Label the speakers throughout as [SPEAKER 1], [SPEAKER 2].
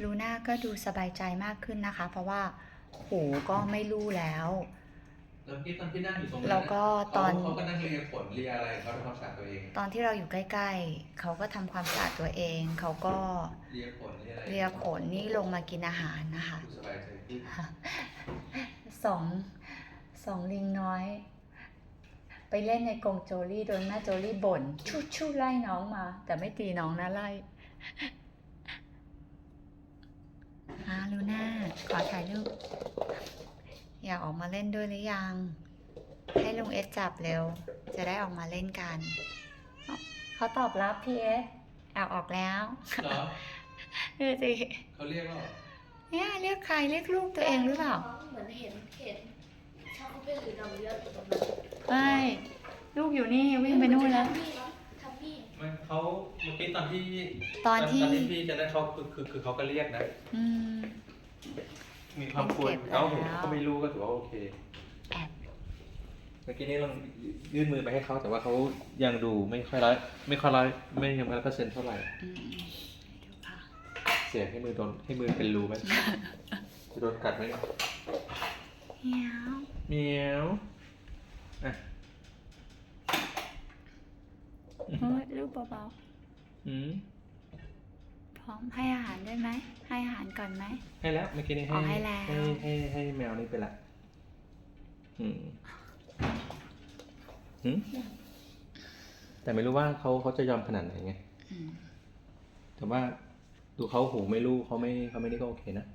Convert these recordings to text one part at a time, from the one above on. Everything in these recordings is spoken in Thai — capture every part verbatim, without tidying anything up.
[SPEAKER 1] ลูน่าก็ดูสบายใจมากขึ้นนะคะ เพราะว่าหูก็ไม่ลู่แล้ว
[SPEAKER 2] แล้วที่ตอนที่นั่งอยู่ตรงนั้น
[SPEAKER 1] แล้วก็ตอน
[SPEAKER 2] เขาก็นั่งเลียขนเลียอะไรเขาทำความสะอาดตัวเอง
[SPEAKER 1] ตอนที่เราอยู่ใกล้ๆเขาก็ทำความสะอาดตัวเองเขาก็
[SPEAKER 2] เลียขนเลียอะไร
[SPEAKER 1] เลียขนนี่ลงมากินอาหารนะคะ
[SPEAKER 2] ดูสบายใจขึ้น
[SPEAKER 1] สองสองลิงน้อย ไปเล่นในกรงโจลี่โดนแม่โจลี่บ่นชู่ชู่ไล่น้องมา แต่ไม่ตีน้องนะไล่อาลูน่าขอถ่ายรูปอยากออกมาเล่นด้วยหรือยัง ให้ลุงเอสจับเร็ว จะได้ออกมาเล่นกันเขาตอบรับพี่เอสแอบออกแล้ว
[SPEAKER 2] เหรอ
[SPEAKER 1] ดูสิ
[SPEAKER 2] เขาเรียกว่า
[SPEAKER 1] เนี่ยเรียกใครเรียกลูกตัวเองหรือเปล่า
[SPEAKER 3] เหมือนเห็นเห็นชอบเป็นหรือดำเยอะอยู่ตรงนั้น
[SPEAKER 1] ไม่ลูกอยู่นี่วิ่งไปนู่นแล้ว
[SPEAKER 3] ทำพี่ทำพี่
[SPEAKER 2] มันเขาเมื่อกี้ตอนที่
[SPEAKER 1] ตอนที่
[SPEAKER 2] ตอนที่พี่จะได้เขาคือคือคือเขาก็เรียกนะ
[SPEAKER 1] อืม
[SPEAKER 2] มีความควร
[SPEAKER 1] เป็นเก็บ
[SPEAKER 2] เขา
[SPEAKER 1] แล้ว
[SPEAKER 2] เขาไม่รู้ก็ถือว่าโอเค
[SPEAKER 1] แอบ
[SPEAKER 2] เมื่อกี้นี้ลองยื่นมือไปให้เขาแต่ว่าเขายังดูไม่ค่อยร้อยไม่ค่อยร้อยไม่ยังร้อยเปอร์เซ็นต์เท่าไหร่
[SPEAKER 1] อืมให้ดูค่ะ
[SPEAKER 2] เสียให้มือโดนให้มือเป็นรูไหม จะโดนกัดไหมเนี่ย
[SPEAKER 1] เหี้ยว
[SPEAKER 2] เหมียวอ่ะ
[SPEAKER 1] เฮ้ยลูกเบา
[SPEAKER 2] อืม
[SPEAKER 1] ๆพร้อมให้อาหารได้ไหมให้อาหารก่อนไหม
[SPEAKER 2] ให้แล้วเมื่อกี้นี้
[SPEAKER 1] อ๋
[SPEAKER 2] ให้
[SPEAKER 1] อให้แล้ว
[SPEAKER 2] ให้ให้ให้แมวนี่ไปละอืมอืมแต่ไม่รู้ว่าเขาเขาจะยอมขนาดไหนไง
[SPEAKER 1] อืม
[SPEAKER 2] แต่ว่าดูเขาหูไม่รู้เขาไม่เขาไม่ได้ก็โอเคนะ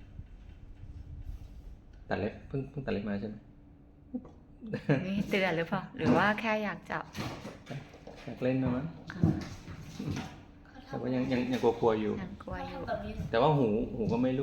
[SPEAKER 2] ตัดเล็บเพิ่งเพิ่งตัดเล็บมาใช่ไหม
[SPEAKER 1] นี่เตือนหรือเปล่าหรือว่าแค่อยากจับ
[SPEAKER 2] อยากเล่นนะมั้ง
[SPEAKER 1] อ่า
[SPEAKER 2] แต่ว่ายังยังยังกลัวๆอยู่
[SPEAKER 1] ยังกลัวอยู่
[SPEAKER 3] แบบนี้
[SPEAKER 2] แต่ว่าหูหูก็ไม่